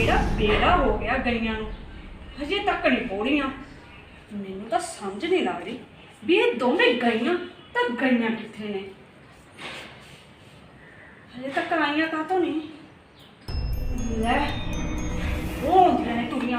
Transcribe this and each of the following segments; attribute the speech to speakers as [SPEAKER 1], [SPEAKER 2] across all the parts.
[SPEAKER 1] ਕਿਹੜਾ ਬੇੜਾ ਹੋ ਗਿਆ ਗਈਆਂ ਨੂੰ, ਹਜੇ ਤੱਕ ਨਹੀਂ ਪਹੁੰਚੀਆਂ। ਮੈਨੂੰ ਤਾਂ ਸਮਝ ਨਹੀਂ ਲੱਗ ਰਹੀ ਵੀ ਇਹ ਦੋਵੇਂ ਗਈਆਂ ਤਾਂ ਗਈਆਂ ਕਿੱਥੇ ਨੇ। ਹਜੇ ਤੱਕ ਆਈਆਂ ਕਾਹਤੋਂ ਨਹੀਂ। ਲੈ ਉਹ ਆਉਂਦੀਆਂ ਨੇ ਤੁਰੀਆਂ।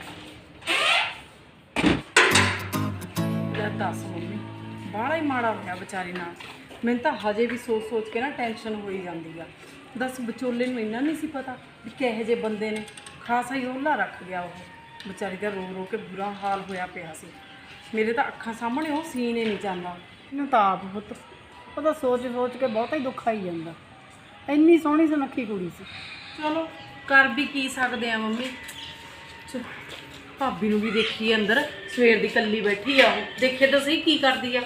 [SPEAKER 2] ਲੈ ਦੱਸ ਮੰਮੀ, ਬਾਹਲਾ ਹੀ ਮਾੜਾ ਹੋਇਆ ਵਿਚਾਰੀ ਨਾਲ। ਮੈਨੂੰ ਤਾਂ ਹਜੇ ਵੀ ਸੋਚ ਸੋਚ ਕੇ ਨਾ ਟੈਨਸ਼ਨ ਹੋਈ ਜਾਂਦੀ ਆ। ਦੱਸ ਵਿਚੋਲੇ ਨੂੰ ਇੰਨਾ ਨਹੀਂ ਸੀ ਪਤਾ ਵੀ ਕਿਹੋ ਜਿਹੇ ਬੰਦੇ ਨੇ। ਖਾਸਾ ਹੀ ਉਹਲਾ ਰੱਖ ਗਿਆ ਉਹ ਵਿਚਾਰੀ ਦਾ, ਰੋ ਰੋ ਕੇ ਬੁਰਾ ਹਾਲ ਹੋਇਆ ਪਿਆ ਸੀ। ਮੇਰੇ ਤਾਂ ਅੱਖਾਂ ਸਾਹਮਣੇ ਉਹ ਸੀਨ ਹੀ ਨਹੀਂ ਜਾਂਦਾ।
[SPEAKER 3] ਮੈਨੂੰ ਤਾਂ ਆਪ ਪੁੱਤ ਉਹਦਾ ਸੋਚ ਸੋਚ ਕੇ ਬਹੁਤਾ ਹੀ ਦੁੱਖ ਆਈ ਜਾਂਦਾ। ਇੰਨੀ ਸੋਹਣੀ ਸੁਨੱਖੀ ਕੁੜੀ ਸੀ।
[SPEAKER 2] ਚਲੋ ਕਰ ਵੀ ਕੀ ਸਕਦੇ ਆ ਮੰਮੀ। ਭਾਬੀ ਨੂੰ ਵੀ ਦੇਖੀ ਅੰਦਰ, ਸਵੇਰ ਦੀ ਕੱਲੀ ਬੈਠੀ ਆ ਉਹ। ਦੇਖੇ ਤਾਂ ਸਹੀ ਕੀ ਕਰਦੀ ਆ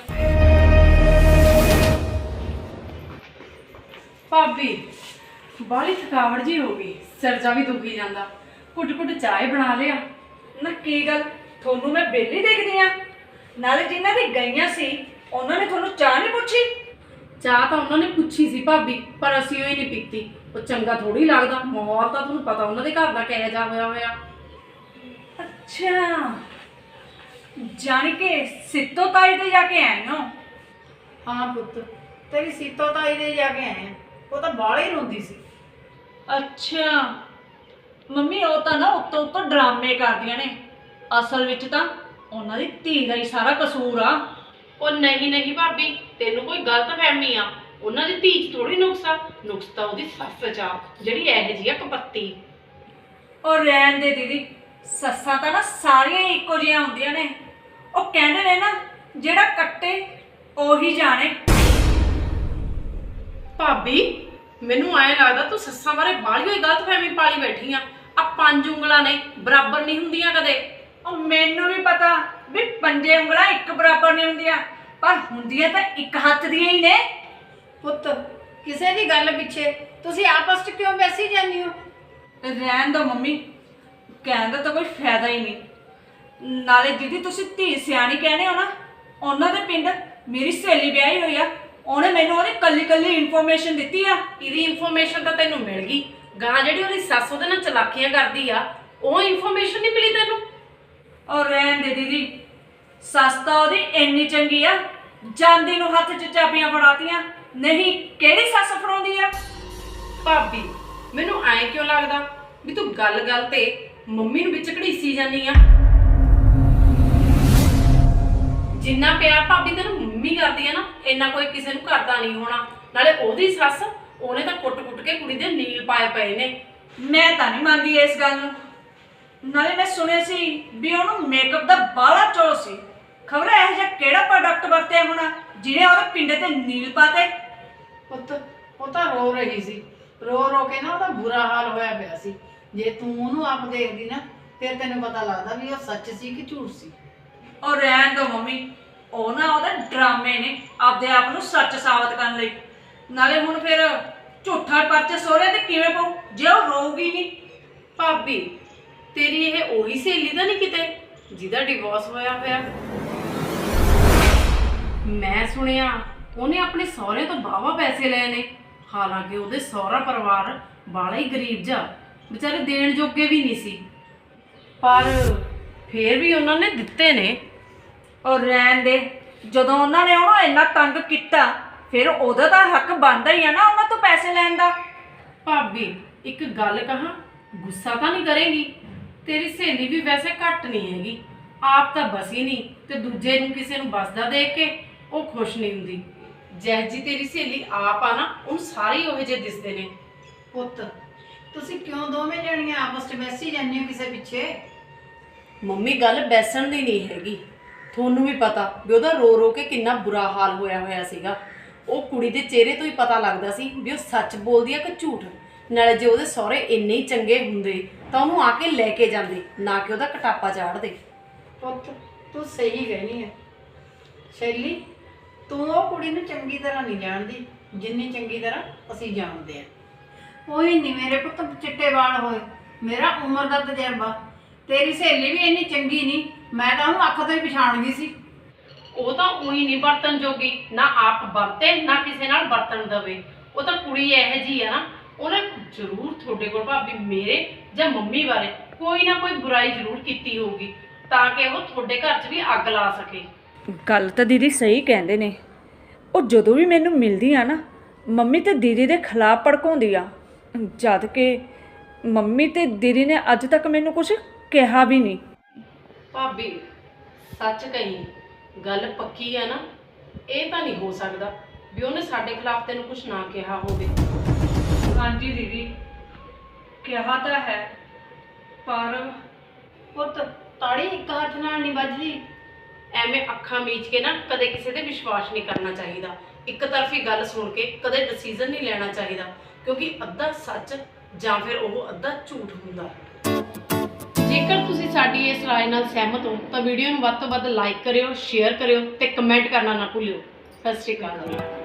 [SPEAKER 2] ਭਾਬੀ। ਬਾਹਲੀ ਥਕਾਵਟ ਜੀ ਹੋ ਗਈ, ਸਿਰ ਜਾ ਵੀ ਦੁਖੀ ਜਾਂਦਾ। ਘੁੱਟ ਘੁੱਟ ਚਾਹ ਬਣਾ ਲਿਆ।
[SPEAKER 1] ਨਾ ਕੀ ਗੱਲ, ਤੁਹਾਨੂੰ ਮੈਂ ਬੇਲੀ ਦੇਖਦੀ ਆ? ਨਾਲੇ ਜਿਨ੍ਹਾਂ ਦੀ ਗਈਆਂ ਸੀ ਉਹਨਾਂ ਨੇ ਤੁਹਾਨੂੰ ਚਾਹ ਨਹੀਂ ਪੁੱਛੀ?
[SPEAKER 2] ਚਾਹ ਤਾਂ ਉਹਨਾਂ ਨੇ ਪੁੱਛੀ ਸੀ ਭਾਬੀ, ਪਰ ਅਸੀਂ ਉਹ ਹੀ ਨਹੀਂ ਪੀਤੀ। ਉਹ ਚੰਗਾ ਥੋੜੀ ਲੱਗਦਾ। ਮਾਹੌਲ ਤਾਂ ਤੁਹਾਨੂੰ ਪਤਾ ਉਹਨਾਂ ਦੇ ਘਰ ਦਾ ਕਿਹੋ ਜਿਹਾ ਹੋਇਆ ਹੋਇਆ।
[SPEAKER 1] ਅੱਛਾ, ਜਾਣੀ ਕਿ ਸਿੱਤੋ ਤਾਈ ਤੇ ਜਾ ਕੇ ਆਏ ਹੋ?
[SPEAKER 3] ਹਾਂ ਪੁੱਤ, ਤੇਰੀ ਸੀਤੋ ਤਾਈ ਦੇ ਜਾ ਕੇ ਆਏ ਆ। ਉਹ ਤਾਂ ਬਾਹਲੇ ਹੀ ਰੋਂਦੀ ਸੀ।
[SPEAKER 1] ਅੱਛਾ ਮੰਮੀ, ਉਹ ਤਾਂ ਨਾ ਉੱਤੋਂ ਉੱਤੋਂ ਡਰਾਮੇ ਕਰਦੀਆਂ ਨੇ। ਅਸਲ ਵਿੱਚ ਤਾਂ ਉਹਨਾਂ ਦੀ ਧੀ ਦਾ ਹੀ ਸਾਰਾ ਕਸੂਰ ਆ।
[SPEAKER 2] ਉਹ ਨਹੀਂ ਨਹੀਂ ਭਾਬੀ, ਤੈਨੂੰ ਕੋਈ ਗਲਤ ਫਹਿਮੀ ਆ। ਉਹਨਾਂ ਦੀ ਧੀ 'ਚ ਥੋੜੀ ਨੁਕਸ ਆ। ਨੁਕਸ ਤਾਂ ਉਹਦੀ ਸੱਸ 'ਚ ਆ, ਜਿਹੜੀ ਇਹੋ ਜਿਹੀ ਆ ਕਪੱਤੀ।
[SPEAKER 1] ਔਰ ਰਹਿਣ ਦੇ ਦੀਦੀ, ਸੱਸਾਂ ਤਾਂ ਨਾ ਸਾਰੀਆਂ ਹੀ ਇੱਕੋ ਜਿਹੀਆਂ ਹੁੰਦੀਆਂ ਨੇ। ਉਹ ਕਹਿੰਦੇ ਨੇ ਨਾ, ਜਿਹੜਾ ਕੱਟੇ ਉਹੀ ਜਾਣੇ।
[SPEAKER 2] ਭਾਬੀ ਮੈਨੂੰ ਐਂ ਲੱਗਦਾ ਤੂੰ ਸੱਸਾਂ ਬਾਰੇ ਬਾਹਲੀ ਹੋਈ ਗਲਤ ਫਹਿਮੀ ਪਾਲੀ ਬੈਠੀ ਆ। ਆ 5 ਉਂਗਲਾਂ ਨੇ ਬਰਾਬਰ ਨਹੀਂ ਹੁੰਦੀਆਂ ਕਦੇ।
[SPEAKER 1] ਉਹ ਮੈਨੂੰ ਵੀ ਪਤਾ ਵੀ 5 ਉਂਗਲਾਂ ਇੱਕ ਬਰਾਬਰ ਨਹੀਂ ਹੁੰਦੀਆਂ, ਪਰ ਹੁੰਦੀਆਂ ਤਾਂ ਇੱਕ ਹੱਥ ਦੀਆਂ ਹੀ ਨੇ।
[SPEAKER 3] ਪੁੱਤ ਕਿਸੇ ਦੀ ਗੱਲ ਪਿੱਛੇ ਤੁਸੀਂ ਆਪਸ 'ਚ ਕਿਉਂ ਬੈਸੀ ਜਾਂਦੀ ਹੋ?
[SPEAKER 1] ਰਹਿਣ ਦੋ ਮੰਮੀ, ਕਹਿਣ ਦਾ ਤਾਂ ਕੋਈ ਫਾਇਦਾ ਹੀ ਨਹੀਂ। ਨਾਲੇ ਦੀਦੀ ਤੁਸੀਂ ਧੀ ਸਿਆਣੀ ਕਹਿੰਦੇ ਹੋ ਨਾ, ਉਹਨਾਂ ਦੇ ਪਿੰਡ ਮੇਰੀ ਸਹੇਲੀ ਵਿਆਹੀ ਹੋਈ ਆ। ਉਹਨੇ ਮੈਨੂੰ ਉਹਦੀ ਕੱਲੀ ਕੱਲੀ ਇਨਫੋਰਮੇਸ਼ਨ ਦਿੱਤੀ ਆ।
[SPEAKER 2] ਇਹਦੀ ਇਨਫੋਰਮੇਸ਼ਨ ਤਾਂ ਤੈਨੂੰ ਮਿਲ ਗਈ, ਗਾਂ ਜਿਹੜੀ ਉਹਦੀ ਸੱਸ ਉਹਦੇ ਨਾਲ ਚਲਾਕੀਆਂ ਕਰਦੀ ਆ, ਉਹ ਇਨਫੋਰਮੇਸ਼ਨ ਨਹੀਂ ਮਿਲੀ ਤੈਨੂੰ?
[SPEAKER 1] ਔਰ ਰਹਿਣ ਦੇ ਦੀਦੀ, ਸੱਸ ਤਾਂ ਉਹਦੀ ਇੰਨੀ ਚੰਗੀ ਆ, ਜਾਂਦੀ ਨੂੰ ਹੱਥ 'ਚ ਚਾਬੀਆਂ ਫੜਾਤੀਆਂ। ਨਹੀਂ ਕਿਹੜੀ ਸੱਸ ਫੜਾਉਂਦੀ ਆ?
[SPEAKER 2] ਭਾਬੀ ਮੈਨੂੰ ਐਂ ਕਿਉਂ ਲੱਗਦਾ ਵੀ ਤੂੰ ਗੱਲ-ਗੱਲ ਤੇ ਮੰਮੀ ਨੂੰ ਵਿੱਚ ਘੜੀਸੀ ਜਾਂਦੀ ਆ। ਜਿੰਨਾ ਪਿਆਰ ਭਾਬੀ ਤੈਨੂੰ ਮੰਮੀ ਕਰਦੀ ਆ ਨਾ, ਇੰਨਾ ਕੋਈ ਕਿਸੇ ਨੂੰ ਕਰਦਾ ਨਹੀਂ ਹੋਣਾ। ਨਾਲੇ ਉਹਦੀ ਸੱਸ, ਉਹਨੇ ਤਾਂ ਕੁੱਟ-ਕੁੱਟ ਕੇ ਕੁੜੀ ਦੇ ਨੀਲ ਪਾਏ ਪਏ ਨੇ।
[SPEAKER 1] ਮੈਂ ਤਾਂ ਨਹੀਂ ਮੰਨਦੀ ਇਸ ਗੱਲ ਨੂੰ। ਨਾਲੇ ਮੈਂ ਸੁਣਿਆ ਸੀ ਵੀ ਉਹਨੂੰ ਮੇਕਅਪ ਦਾ ਬਾਹਲਾ ਚੋ ਸੀ। ਖਬਰ ਇਹੋ ਜਿਹਾ ਕਿਹੜਾ ਪ੍ਰੋਡਕਟ ਵਰਤਿਆ ਹੋਣਾ ਜਿਹਨੇ ਉਹਦੇ ਪਿੰਡੇ ਤੇ ਨੀਲ ਪਾਤੇ।
[SPEAKER 3] ਪੁੱਤ ਉਹ ਤਾਂ ਰੋ ਰਹੀ ਸੀ, ਰੋ ਰੋ ਕੇ ਨਾ ਉਹਦਾ ਬੁਰਾ ਹਾਲ ਹੋਇਆ ਪਿਆ ਸੀ। ਜੇ ਤੂੰ ਉਹਨੂੰ ਆਪ ਦੇਖਦੀ ਨਾ, ਫਿਰ ਤੈਨੂੰ ਪਤਾ ਲੱਗਦਾ ਵੀ ਉਹ ਸੱਚ ਸੀ ਕਿ ਝੂਠ ਸੀ।
[SPEAKER 1] ਔਰ ਰਹਿਣ ਦੋ ਮੰਮੀ, ਉਹ ਨਾ ਉਹਦੇ ਡਰਾਮੇ ਨੇ ਆਪਦੇ ਆਪ ਨੂੰ ਸੱਚ ਸਾਬਤ ਕਰਨ ਲਈ। ਨਾਲੇ ਹੁਣ ਫਿਰ ਝੂਠਾ ਪਰਚਾ ਸਹੁਰੇ ਤੇ ਕਿਵੇਂ ਪਊ ਜੇ ਉਹ ਰੋਊਗੀ ਨਹੀਂ?
[SPEAKER 2] ਭਾਬੀ ਤੇਰੀ ਇਹ ਉਹੀ ਸਹੇਲੀ ਤਾਂ ਨਹੀਂ ਕਿਤੇ ਜਿਹਦਾ ਡਿਵੋਰਸ ਹੋਇਆ ਹੋਇਆ? ਮੈਂ ਸੁਣਿਆ ਉਹਨੇ ਆਪਣੇ ਸਹੁਰੇ ਤੋਂ ਵਾਹਵਾ ਪੈਸੇ ਲਏ ਨੇ। ਹਾਲਾਂਕਿ ਉਹਦੇ ਸਹੁਰਾ ਪਰਿਵਾਰ ਬਾਲਾ ਹੀ ਗਰੀਬ ਜਾ, ਵਿਚਾਰੇ ਦੇਣ ਜੋਗੇ ਵੀ ਨਹੀਂ ਸੀ, ਪਰ ਫੇਰ ਵੀ ਉਹਨਾਂ ਨੇ ਦਿੱਤੇ ਨੇ।
[SPEAKER 1] ਔਰ ਰਹਿਣ ਦੇ, ਜਦੋਂ ਉਹਨਾਂ ਨੇ ਉਹਨੂੰ ਇੰਨਾ ਤੰਗ ਕੀਤਾ, ਫਿਰ ਉਹਦਾ ਤਾਂ ਹੱਕ ਬਣਦਾ ਹੀ ਆ ਨਾ ਉਹਨਾਂ ਤੋਂ ਪੈਸੇ ਲੈਣ ਦਾ।
[SPEAKER 2] ਭਾਬੀ ਇੱਕ ਗੱਲ ਕਹਾਂ, ਗੁੱਸਾ ਤਾਂ ਨਹੀਂ ਕਰੇਗੀ? ਤੇਰੀ ਸਹੇਲੀ ਵੀ ਵੈਸੇ ਘੱਟ ਨਹੀਂ ਹੈਗੀ। ਆਪ ਤਾਂ ਬਸੀ ਨਹੀਂ, ਤੇ ਦੂਜੇ ਨੂੰ ਕਿਸੇ ਨੂੰ ਬਸਦਾ ਦੇਖ ਕੇ ਉਹ ਖੁਸ਼ ਨਹੀਂ ਹੁੰਦੀ। ਜਿਹੋ ਜੀ ਤੇਰੀ ਸਹੇਲੀ ਆਪ ਆ ਨਾ, ਉਹਨੂੰ ਸਾਰੇ ਉਹੋ ਜਿਹੇ ਦਿਸਦੇ ਨੇ।
[SPEAKER 3] ਪੁੱਤ ਤੁਸੀਂ ਕਿਉਂ ਦੋਵੇਂ ਜਣੀਆਂ ਆਪਸ 'ਚ ਬੈਸੀ ਜਾਂਦੀਆਂ ਕਿਸੇ ਪਿੱਛੇ?
[SPEAKER 2] ਮੰਮੀ ਗੱਲ ਬੈਸਣ ਦੀ ਨਹੀਂ ਹੈਗੀ। ਤੁਹਾਨੂੰ ਵੀ ਪਤਾ ਵੀ ਉਹਦਾ ਰੋ ਰੋ ਕੇ ਕਿੰਨਾ ਬੁਰਾ ਹਾਲ ਹੋਇਆ ਹੋਇਆ ਸੀਗਾ। ਉਹ ਕੁੜੀ ਦੇ ਚਿਹਰੇ ਤੋਂ ਹੀ ਪਤਾ ਲੱਗਦਾ ਸੀ ਵੀ ਉਹ ਸੱਚ ਬੋਲਦੀ ਆ ਕਿ ਝੂਠ। ਨਾਲੇ ਜੇ ਉਹਦੇ ਸਹੁਰੇ ਇੰਨੇ ਹੀ ਚੰਗੇ ਹੁੰਦੇ ਤਾਂ ਉਹਨੂੰ ਆ ਕੇ ਲੈ ਕੇ ਜਾਂਦੇ, ਨਾ ਕਿ ਉਹਦਾ ਕਟਾਪਾ ਚਾੜਦੇ।
[SPEAKER 3] ਪੁੱਤ ਤੂੰ ਸਹੀ ਕਹਿਣੀ ਹੈ ਸ਼ੈਲੀ, ਤੂੰ ਉਹ ਕੁੜੀ ਨੂੰ ਚੰਗੀ ਤਰ੍ਹਾਂ ਨਹੀਂ ਜਾਣਦੀ ਜਿੰਨੀ ਚੰਗੀ ਤਰ੍ਹਾਂ ਅਸੀਂ ਜਾਣਦੇ ਆ। ਉਹੀ ਨਹੀਂ ਮੇਰੇ ਪੁੱਤ ਚਿੱਟੇ ਵਾਲ ਹੋਏ, ਮੇਰਾ ਉਮਰ ਦਾ ਤਜਰਬਾ। ਤੇਰੀ ਸਹੇਲੀ ਵੀ ਇੰਨੀ ਚੰਗੀ ਨਹੀਂ, ਮੈਂ ਤਾਂ ਉਹਨੂੰ ਅੱਖ ਤੋਂ ਹੀ ਪਛਾਣ ਗਈ ਸੀ।
[SPEAKER 2] ਉਹ ਤਾਂ ਉਹੀ ਨਹੀਂ ਵਰਤਨ ਜੋਗੀ, ਨਾ ਆਪ ਵਰਤੇ ਨਾ ਕਿਸੇ ਨਾਲ ਵਰਤਣ ਦਵੇ। ਉਹ ਤਾਂ ਕੁੜੀ ਇਹੋ ਜਿਹੀ ਆ ਨਾ, ਉਹਨੇ ਜ਼ਰੂਰ ਤੁਹਾਡੇ ਕੋਲ ਭਾਬੀ ਮੇਰੇ ਜਾਂ ਮੰਮੀ ਬਾਰੇ ਕੋਈ ਨਾ ਕੋਈ ਬੁਰਾਈ ਜ਼ਰੂਰ ਕੀਤੀ ਹੋਊਗੀ ਤਾਂ ਕਿ ਉਹ ਤੁਹਾਡੇ ਘਰ 'ਚ ਵੀ ਅੱਗ ਲਾ ਸਕੇ।
[SPEAKER 1] ਗੱਲ ਤਾਂ ਦੀਦੀ ਸਹੀ ਕਹਿੰਦੇ ਨੇ। ਉਹ ਜਦੋਂ ਵੀ ਮੈਨੂੰ ਮਿਲਦੀ ਆ ਨਾ ਮੰਮੀ ਤੇ ਦੀਦੀ ਦੇ ਖਿਲਾਫ ਭੜਕਾਉਂਦੀ ਆ, ਜਦ ਕਿ ਮੰਮੀ ਤੇ ਦੀਦੀ ਨੇ ਅੱਜ ਤੱਕ ਮੈਨੂੰ ਕੁਝ ਕਿਹਾ ਵੀ ਨਹੀਂ।
[SPEAKER 2] ਭਾਬੀ ਸੱਚ ਕਹੀ, ਗੱਲ ਪੱਕੀ ਆ ਨਾ, ਇਹ ਤਾਂ ਨਹੀਂ ਹੋ ਸਕਦਾ ਵੀ ਉਹਨੇ ਸਾਡੇ ਖਿਲਾਫ ਤੈਨੂੰ ਕੁਝ ਨਾ ਕਿਹਾ ਹੋਵੇ।
[SPEAKER 1] ਹਾਂਜੀ ਦੀਦੀ, ਕਿਹਾ ਤਾਂ ਹੈ, ਪਰ
[SPEAKER 3] ਪੁੱਤ ਤਾੜੀ ਇੱਕ ਹੱਥ ਨਾਲ ਨਹੀਂ ਵੱਜਦੀ।
[SPEAKER 2] ਐਵੇਂ ਅੱਖਾਂ ਮੀਚ ਕੇ ਨਾ ਕਦੇ ਕਿਸੇ ਤੇ ਵਿਸ਼ਵਾਸ ਨਹੀਂ ਕਰਨਾ ਚਾਹੀਦਾ। ਇੱਕ ਤਰਫੀ ਗੱਲ ਸੁਣ ਕੇ ਕਦੇ ਡਿਸੀਜਨ ਨਹੀਂ ਲੈਣਾ ਚਾਹੀਦਾ, ਕਿਉਂਕਿ ਅੱਧਾ ਸੱਚ ਜਾਂ ਫਿਰ ਉਹ ਅੱਧਾ ਝੂਠ ਹੁੰਦਾ। ਜੇਕਰ ਤੁਸੀਂ ਸਾਡੀ ਇਸ ਰਾਏ ਨਾਲ ਸਹਿਮਤ ਹੋ ਤਾਂ ਵੀਡੀਓ ਨੂੰ ਵੱਧ ਤੋਂ ਵੱਧ ਲਾਈਕ ਕਰਿਓ, ਸ਼ੇਅਰ ਕਰਿਓ ਤੇ ਕਮੈਂਟ ਕਰਨਾ ਨਾ ਭੁੱਲਿਓ। ਸਤਿ ਸ਼੍ਰੀ ਅਕਾਲ ਜੀ।